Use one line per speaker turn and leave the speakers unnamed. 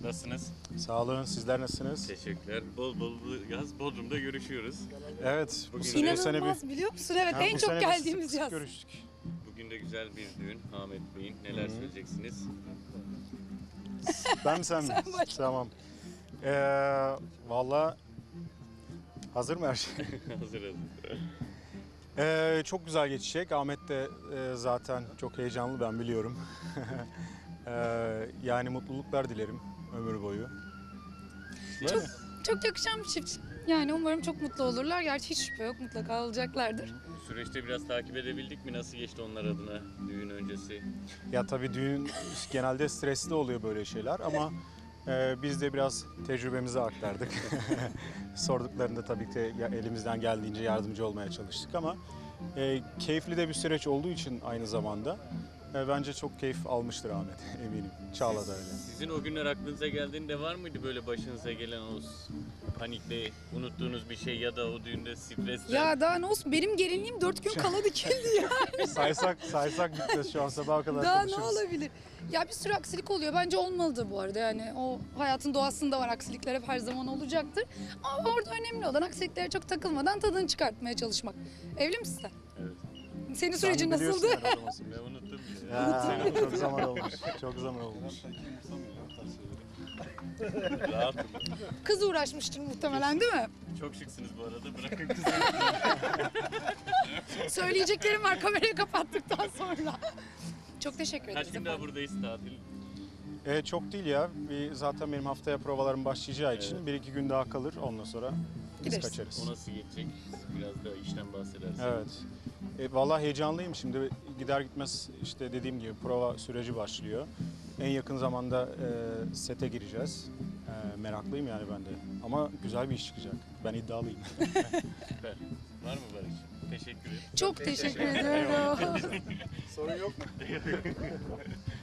Nasılsınız?
Sağ olun. Sizler nasılsınız?
Teşekkürler. Bol bol bu yaz Bodrum'da görüşüyoruz.
Evet. Bu
Bugün
sene
İnanılmaz biliyor musun? Evet,
Ha,
en
bu
çok
sene
geldiğimiz
sık sık
yaz.
görüştük.
Bugün de güzel bir düğün. Ahmet Bey'in. Neler söyleyeceksiniz?
Ben mi sen mi?
Sen başla.
Tamam. Valla hazır mı her şey?
Hazır hazır.
Çok güzel geçecek. Ahmet de zaten çok heyecanlı, ben biliyorum. Yani mutluluklar dilerim ömür boyu. Değil mi?
Çok yakışan bir çift. Yani umarım çok mutlu olurlar. Gerçi hiç şüphe yok, mutlaka olacaklardır.
Bu süreçte biraz takip edebildik mi? Nasıl geçti onlar adına düğün öncesi?
Ya tabii düğün genelde stresli oluyor böyle şeyler ama biz de biraz tecrübemizi aktardık. Sorduklarında tabii ki elimizden geldiğince yardımcı olmaya çalıştık ama keyifli de bir süreç olduğu için aynı zamanda bence çok keyif almıştır Ahmet, eminim. Çağla da öyle.
Sizin o günler aklınıza geldiğinde var mıydı böyle başınıza gelen o panikle unuttuğunuz bir şey ya da o düğünde stresle?
Ya daha ne olsun, benim gelinliğim 4 gün kala dikildi ya.
Saysak bitmez şu an, sabaha kadar
Daha ne
konuşuruz.
olabilir? Ya bir sürü aksilik oluyor. Bence olmalı da bu arada. Yani o hayatın doğasında var. Aksilikler hep her zaman olacaktır. Ama orada önemli olan aksiliklere çok takılmadan tadını çıkartmaya çalışmak. Evli misin sen?
Evet.
Senin
Sen
sürecin
biliyorsun
nasıldı?
herhalde nasıl.
Ben unuttum bile.
Ya, çok zaman olmuş. Çok zaman olmuş.
Rahatım.
Kız uğraşmıştır muhtemelen, değil mi?
Çok şıksınız bu arada. Bırakın kızı.
Söyleyeceklerim var kamerayı kapattıktan sonra. Çok teşekkür
Kaç
ederiz
gün daha
efendim.
buradayız tatil?
Çok değil ya. Zaten benim haftaya provalarım başlayacağı için bir iki gün daha kalır. Ondan sonra biz
Gideriz.
kaçarız.
O nasıl geçecek? Biraz da işten bahsedersiniz.
Evet. Vallahi heyecanlıyım şimdi. Gider gitmez işte dediğim gibi prova süreci başlıyor. En yakın zamanda sete gireceğiz. Meraklıyım yani ben de. Ama güzel bir iş çıkacak. Ben iddialıyım.
Süper. Var mı Barış? Teşekkür ederim.
Çok teşekkür ederim.
Sorun yok mu?